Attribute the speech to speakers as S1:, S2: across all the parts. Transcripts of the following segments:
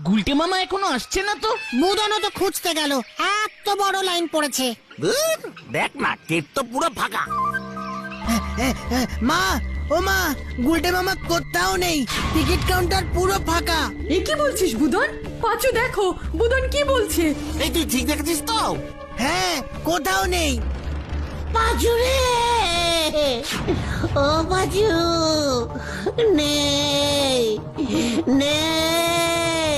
S1: গুলটে মামা এখনো আসছে না তো।
S2: বুদনও তো খুঁজতে গেল, এত বড় লাইন পড়েছে।
S3: ধুর, দেখ না গেট তো পুরো ফাঁকা।
S4: মা, ও মা, গুলটে মামা কোথাও নেই, টিকিট কাউন্টার পুরো ফাঁকা।
S5: এ কি বলছিস বুদন? পাঁচু দেখো বুদন কি বলছে।
S3: এই তুই ঠিক দেখেছিস তো?
S4: হ্যাঁ, কোথাও নেই।
S2: পাঁচু রে, ও পাঁচু, নেই নেই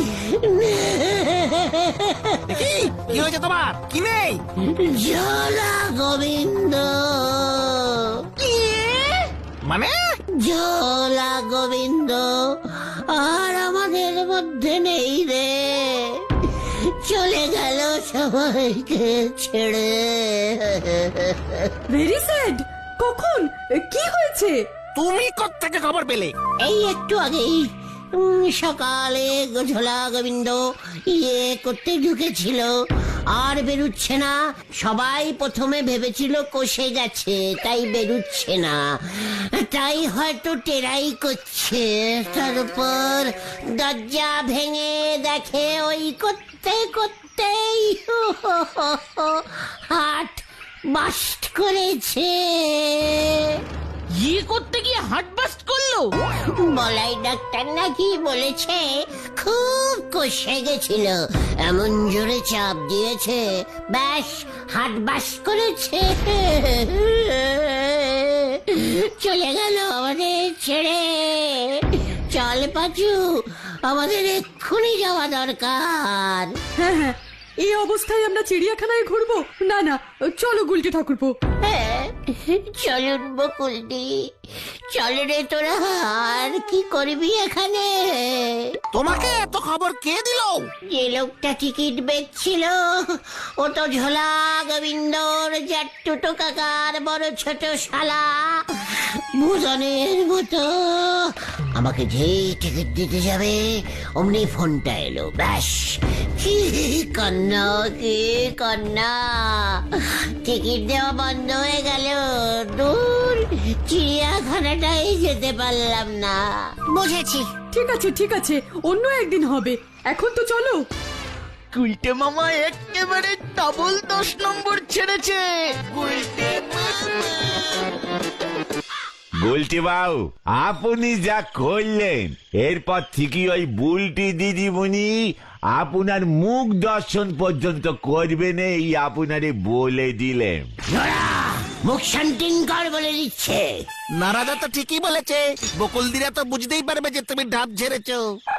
S3: কি কি হয়েছে তোমার? কি নেই?
S2: ঝোলা গোবিন্দ,
S3: মানে
S2: ঝোলা গোবিন্দ আর আমাদের মধ্যে নেই রে, চলে গেল সবাইকে ছেড়ে।
S5: Very sad. কখন? কি হয়েছে?
S3: তুমি কোত্থেকে খবর পেলে?
S2: এই একটু আগেই সকালে ঝোলা গোবিন্দ ইয়ে করতে ঢুকেছিল, আর বেরুচ্ছে না। সবাই প্রথমে ভেবেছিল কষে গেছে, তাই বেরুচ্ছে না, তাই হয়তো টেরাই করছে। তারপর দরজা ভেঙে দেখে ওই করতে করতেই হাট বাস্ট করেছে।
S1: ইয়ে করতে গিয়ে হার্ট বাস্ট করলো?
S2: বলাই ডাক্তার নাকি বলেছে খুব কষে গেছিল, এমন জোরে চাপ দিয়েছে, ব্যাস হাট বাস করেছে। চলে গেল আমাদের ছেড়ে। চল পাঁচু, আমাদের এক্ষুনি যাওয়া দরকার।
S5: হ্যাঁ হ্যাঁ, এই অবস্থায় আমরা চিড়িয়াখানায় ঘুরবো? না না, চলো গুলটে ঠাকুরপো।
S2: হ্যাঁ, চলুন বকুলদি, চল রে তোরা। আর কি করবি এখানে?
S3: তোমাকে এত খবর কে দিল?
S2: যে লোকটা টিকিট বেচছিল, ও তো ঝোলা গোবিন্দর জাট্টুটো কাকার বড় ছোট শালা ভুজনের মতো। আমাকে যেই টিকিট দিতে যাবে অমনি ফোনটা এলো, ব্যাস কি কন্যা, কি কন্যা, টিকিট দেওয়া বন্ধ হয়ে গেল। দূর, চিড়িয়াখানাটাই যেতে পারলাম না। বুঝেছি।
S5: ঠিক আছে ঠিক আছে, অন্য একদিন হবে, এখন তো চলো।
S1: গুলটে মামা একেবারে ডাবল 10 নম্বর ছেড়েছে।
S6: বুলটি বাবু, আপনি যা করলেন, এরপর থেকে ওই বুলটি দিদিমণি আপনার মুখ দর্শন পর্যন্ত করবেন, এই আপনারে বলে দিলেন।
S2: মুখ শান্তিন কর বলে দিচ্ছে।
S3: নারাজা তো ঠিকই বলেছে, বকুলদিরা তো বুঝতেই পারবে যে তুমি ঢাপ ঝেড়েছো।